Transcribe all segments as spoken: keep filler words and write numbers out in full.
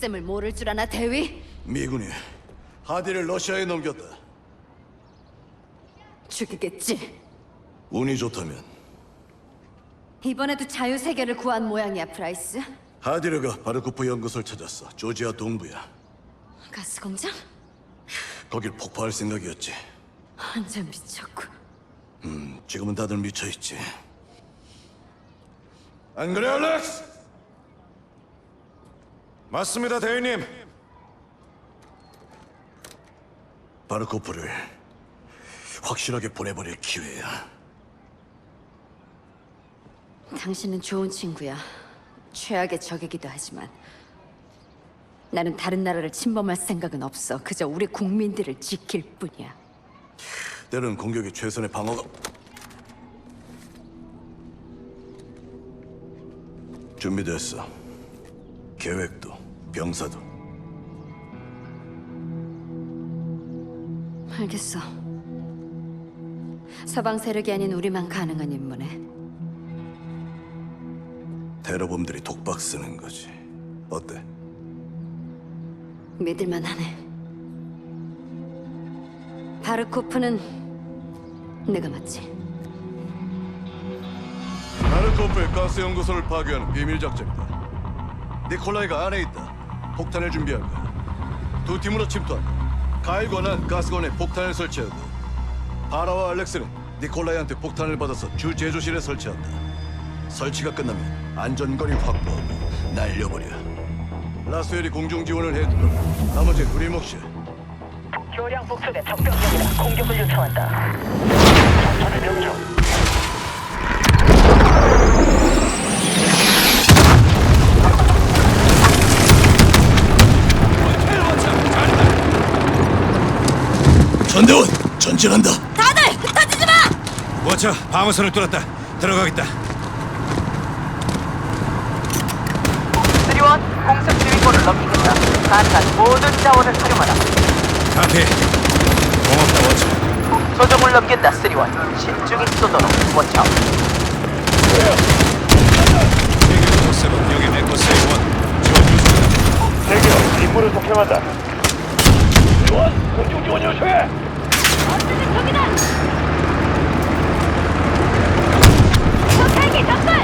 속셈을 모를 줄 아나, 대위? 미군이 하디를 러시아에 넘겼다. 죽이겠지. 운이 좋다면 이번에도 자유세계를 구한 모양이야, 프라이스. 하디르가 바르코프 연구소를 찾았어. 조지아 동부야. 가스공장? 거길 폭파할 생각이었지. 완전 미쳤군. 음, 지금은 다들 미쳐있지. 안 그래, 알렉스? 맞습니다, 대위님. 바르코프를 확실하게 보내버릴 기회야. 당신은 좋은 친구야. 최악의 적이기도 하지만 나는 다른 나라를 침범할 생각은 없어. 그저 우리 국민들을 지킬 뿐이야. 때론 공격이 최선의 방어가... 준비됐어. 계획도, 병사도. 알겠어. 서방 세력이 아닌 우리만 가능한 임무네. 테러범들이 독박 쓰는 거지. 어때? 믿을만 하네. 바르코프는 내가 맞지. 바르코프의 가스 연구소를 파괴하는 비밀 작전이다. 니콜라이가 안에 있다. 폭탄을 준비할 거야. 두 팀으로 침투한다. 가일과 난 가스건에 폭탄을 설치하고 바라와 알렉스는 니콜라이한테 폭탄을 받아서 주 제조실에 설치한다. 설치가 끝나면 안전거리 확보하고 날려버려. 라스웰이 공중 지원을 해두고 나머지는 우리 몫이야. 교량 북쪽에 적병력이다. 공격을 요청한다. 전투를 명중. 전대원 전진한다. 다들 흩어지지 마! 워처, 방어선을 뚫었다. 들어가겠다. 수리원 공습 지휘권을 넘기겠다. 가능한 모든 자원을 활용하라. 카피. 고맙다, 워처. 소정을 넘긴다. 수리원 신중히 쏘도록 워쳐. 세계 도세븐 여기 메커스의 원. 지원 요청한다. 대기업 임무를 독행한다. 지원, 공중 지원 요청해. 저기다! 저 헬기 접근!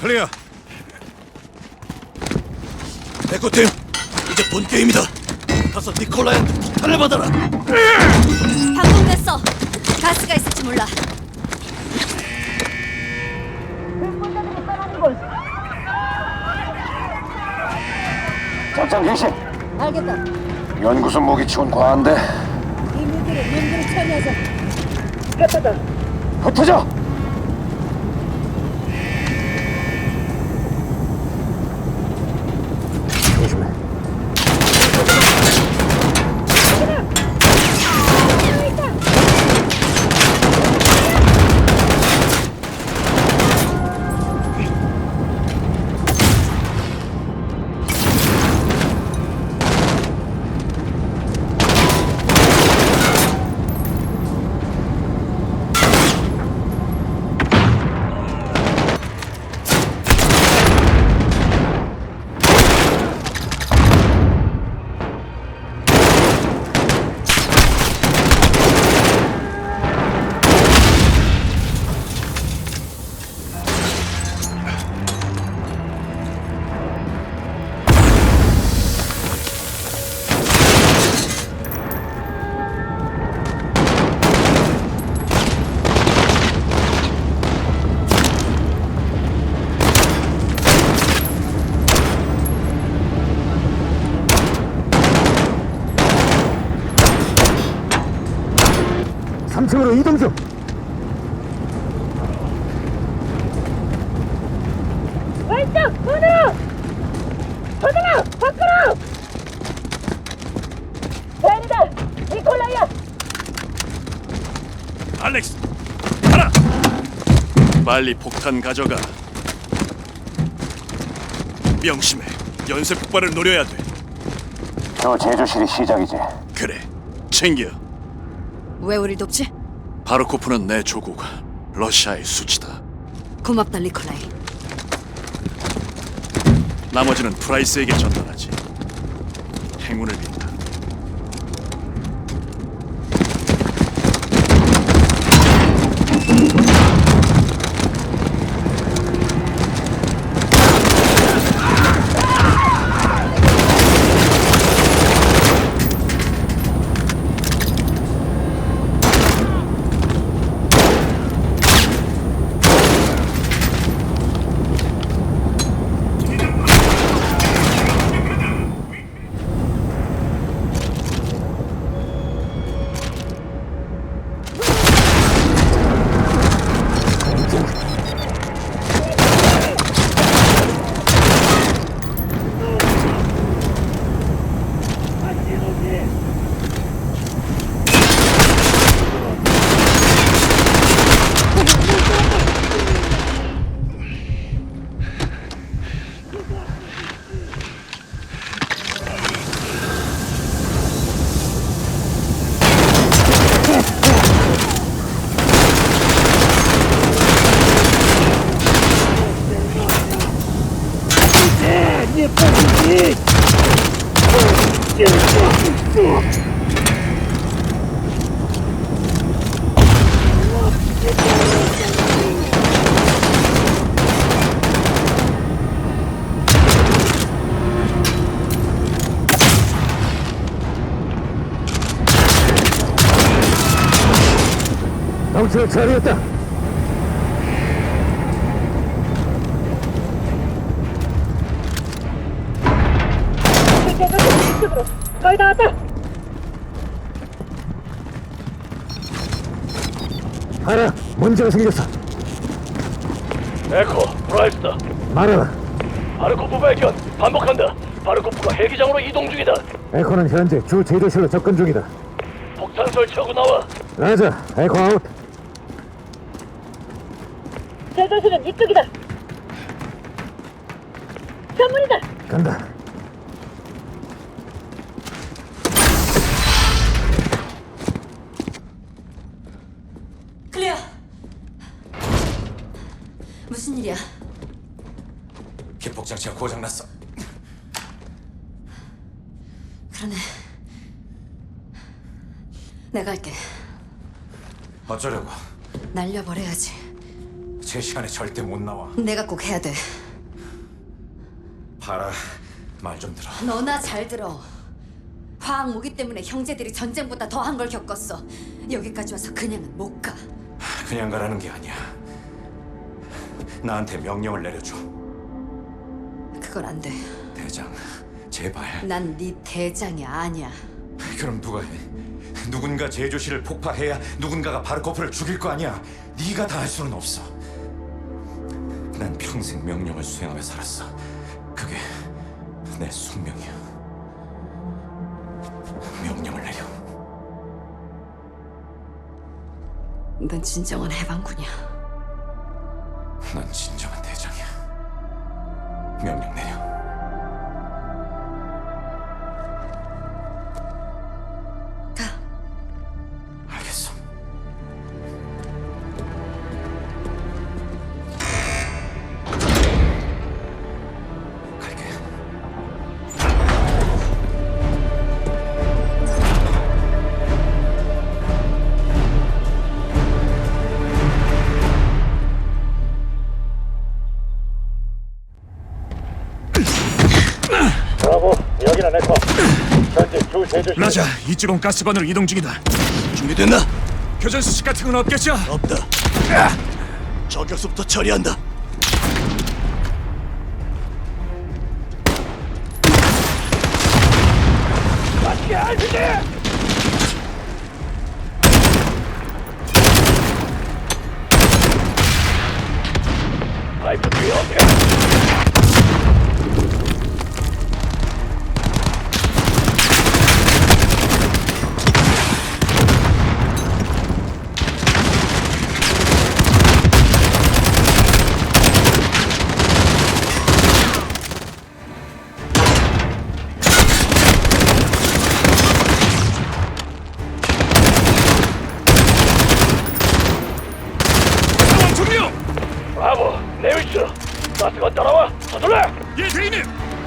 클리어. 에코팀, 이제 본 게임이다. 가서 니콜라이한테 폭탄을 받아라. 방금 됐어. 가스가 있을지 몰라. 작전 개시. 알겠다. 연구소 모기 치곤 과한데. 이민들을 민들을 처리하자. 흩어져. 조심해. 삼 층으로 이동 중. 왼쪽 문으로! 서준아! 밖으로! 벤다! 니콜라이야! 알렉스, 가라. 빨리 폭탄 가져가. 명심해. 연쇄 폭발을 노려야 돼. 저 제조실이 시작이지. 그래, 챙겨. 왜 우릴 돕지? 바르코프는 내 조국, 러시아의 수치다. 고맙다, 니콜라이. 나머지는 프라이스에게 전달하지. 행운을 빈다. 덩치가 처리했다. 이쪽으로! 거의 다 왔다! 알아, 문제가 생겼어. 에코, 프라이스다. 말하라. 바르코프 발견. 반복한다. 바르코프가 헬기장으로 이동 중이다. 에코는 현재 주 제조실로 접근 중이다. 폭탄 설치하고 나와. 라자, 에코 아웃. 제조실은 이쪽이다! 전문이다! 간다. 클리어. 무슨 일이야? 기폭 장치가 고장났어. 그러네. 내가 할게. 어쩌려고? 날려버려야지. 제 시간에 절대 못 나와. 내가 꼭 해야 돼. 봐라, 말 좀 들어. 너나 잘 들어. 화학 무기 때문에 형제들이 전쟁보다 더한 걸 겪었어. 여기까지 와서 그냥은 못 가. 그냥 가라는 게 아니야. 나한테 명령을 내려줘. 그건 안 돼. 대장, 제발. 난 네 대장이 아니야. 그럼 누가 해? 누군가 제조실을 폭파해야 누군가가 바르코프를 죽일 거 아니야. 네가 다 할 수는 없어. 난 평생 명령을 수행하며 살았어. 그게 내 숙명이야. 명령을 내려. 넌 진정한 해방군이야. 넌 진정한 대장이야. 명령 내려. 가. 알겠어. 갈게. 브라보, 여기는 에코. 현재 주 제조실. 라자, 이쪽은 가스관으로 이동 중이다. 준비됐나? 교전 수칙 같은 건 없겠죠? 없다. 저격수부터 처리한다. 맞게 알지? 파이프 뒤에 앞에. 상황 종료! 브라보, 내 위치로. 가스가 따라와. 서둘러. 예, 대인님!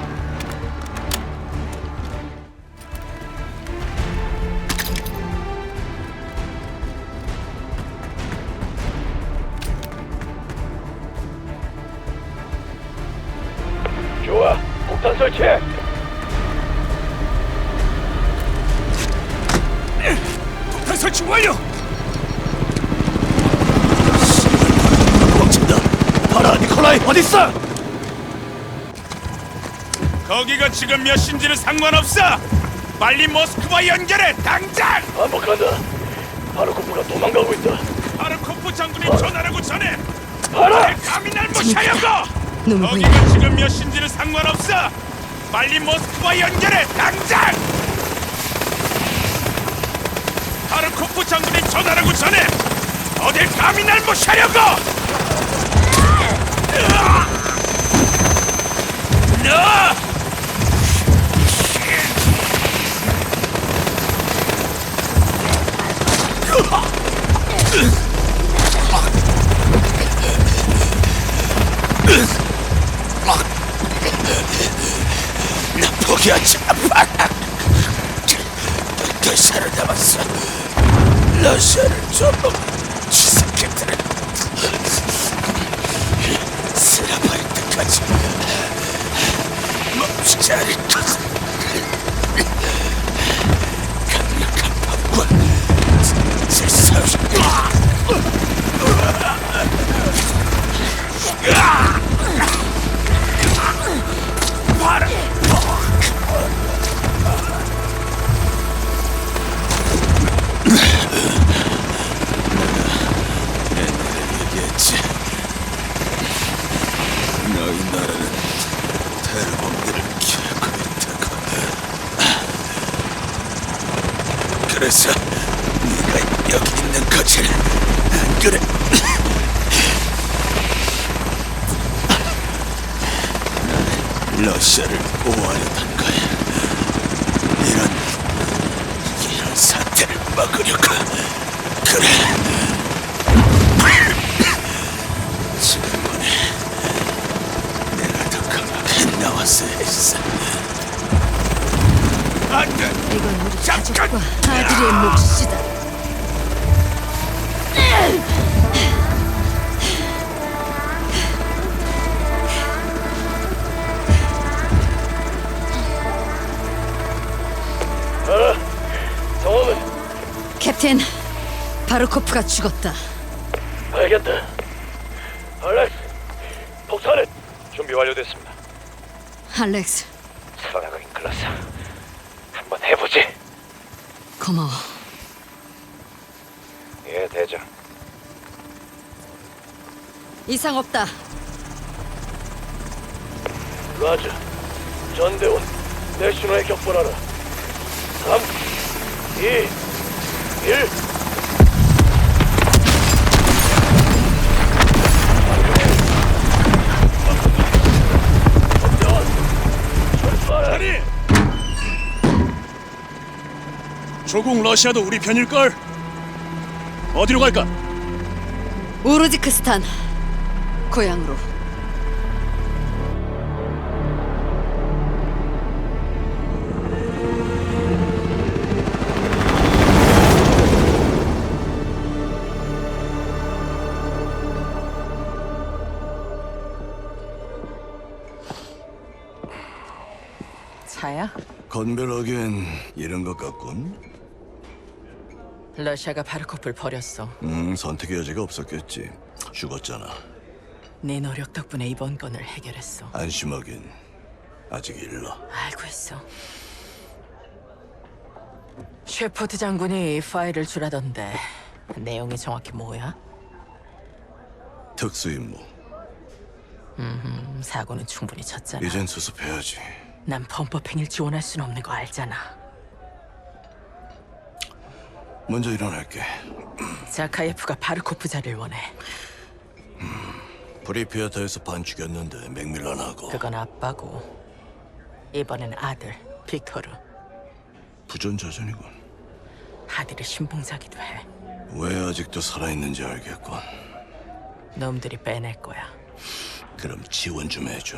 좋아, 폭탄 설치해. 폭탄 설치 완료! 멈춘다. 봐라, 니콜라이 어딨어? 거기가 지금 몇 시인지는 상관없어! 빨리 모스크바 연결해, 당장! 반복한다. 바르코프가 도망가고 있다. 바르코프 장군이 전하라고 전해! 봐라! 감히 날 무시하려고! 놈을 거기가 지금 몇 시인지는 상관없어! 빨리 모스크바 연결해, 당장! 바르코프 장군이 전하라고 전해! 어딜 감히 날 무시하려고! 너! 나 포기하지 않아. 더 살아남았어. 러시아를 좀 지새끼들을 쓸어버릴 때까지 멈추지 않을 것을. 강력한 법과 질서를 봐라. 얘기했지. 너희 나라는 테러범들을 키우고 있다고. 그래서 네가 여기 있는 거지, 안 그래? 나는 러시아를 보호하려던 거야. 이런 이런 사태를 막으려고. 그래. 지금번에 내가 더 강하게 나왔어야 했어. 안 돼! 이건 우리 가족과 아들의 몫이다. 캡틴, 바르코프가 죽었다. 알겠다. 알렉스, 폭탄은 준비 완료됐습니다. 알렉스, 살아나가긴 클라스. 한번 해보지. 고마워. 예, 대장. 이상 없다. 라자, 전대원, 내 신호에 격분하라. 삼, 이, 일. 아니! 조국 러시아도 우리 편일걸? 어디로 갈까? 우르지크스탄, 고향으로. 차야? 건별하기엔 이런 것 같군. 러시아가 바르코프를 버렸어. 음, 선택의 여지가 없었겠지. 죽었잖아. 네 노력 덕분에 이번 건을 해결했어. 안심하긴 아직 일러. 알고 있어. 셰퍼드 장군이 파일을 주라던데 내용이 정확히 뭐야? 특수임무. 음, 사고는 충분히 쳤잖아. 이젠 수습해야지. 난 범법행위를 지원할 순 없는 거 알잖아. 먼저 일어날게. 자카예프가 바르코프 자리를 원해. 프리피아타에서 반 죽였는데 맥밀런하고 그건 아빠고 이번엔 아들 빅토르. 부전자전이군. 아들이 신봉자기도 해. 왜 아직도 살아있는지 알겠군. 놈들이 빼낼 거야. 그럼 지원 좀 해줘.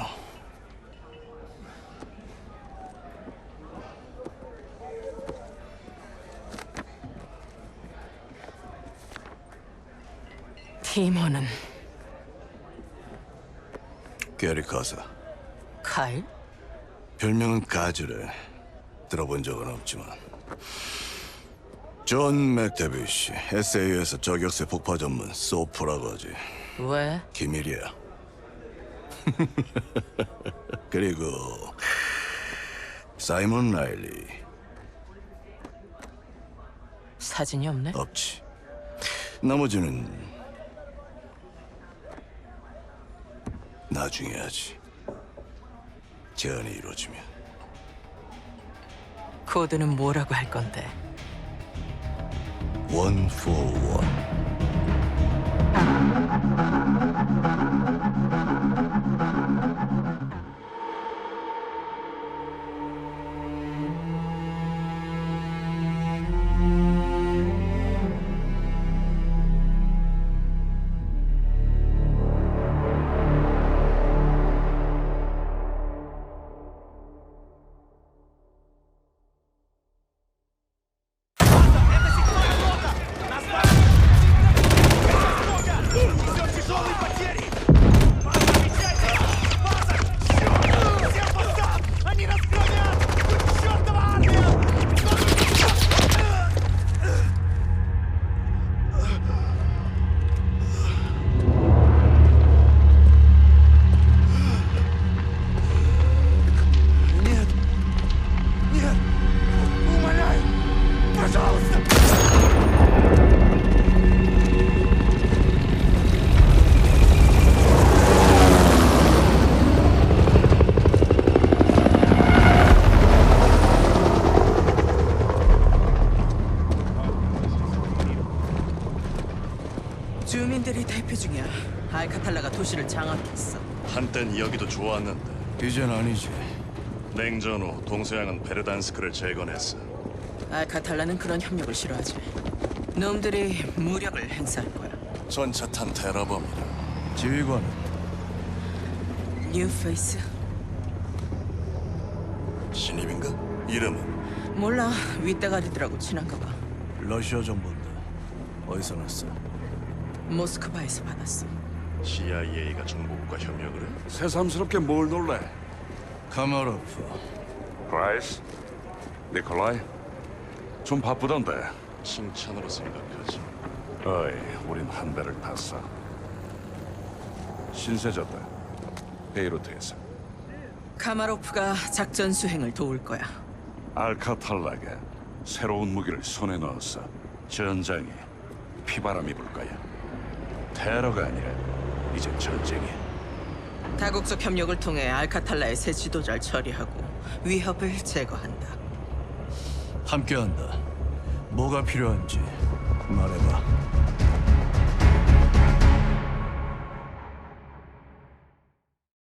팀원은 게리 카사. 카일? 별명은 가즈래. 들어본 적은 없지만. 존 맥데비시. 에스에이에서 저격수 폭파 전문 소프라고 하지. 왜? 기밀이야. 그리고 사이먼 라일리. 사진이 없네? 없지. 나머지는 나중에 하지. 제안이 이루어지면. 코드는 뭐라고 할 건데? 원 포 원. 주민들이 대피 중이야. 알카탈라가 도시를 장악했어. 한땐 여기도 좋았는데 이젠 아니지. 냉전 후 동서양은 베르단스크를 재건했어. 알카탈라는 그런 협력을 싫어하지. 놈들이 무력을 행사할 거야. 전차탄 테러범이다. 지휘관은 뉴페이스? 신입인가? 이름은? 몰라. 윗대가리들하고 친한가 봐. 러시아 정보인데 어디서 났어? 모스크바에서 받았어. 씨아이에이가 정보국과 협력을 해? 새삼스럽게 뭘 놀래? 카마로프. 프라이스? 니콜라이? 좀 바쁘던데 칭찬으로 생각하지. 어이, 우린 한 배를 탔어. 신세졌다. 베이루트에서 카마로프가 작전 수행을 도울 거야. 알카탈라가 새로운 무기를 손에 넣었어. 전장에 피바람이 불 거야. 테러가 아니라 이제 전쟁이야. 다국적 협력을 통해 알카탈라의 새 지도자를 처리하고 위협을 제거한다. 함께한다. 뭐가 필요한지 말해봐.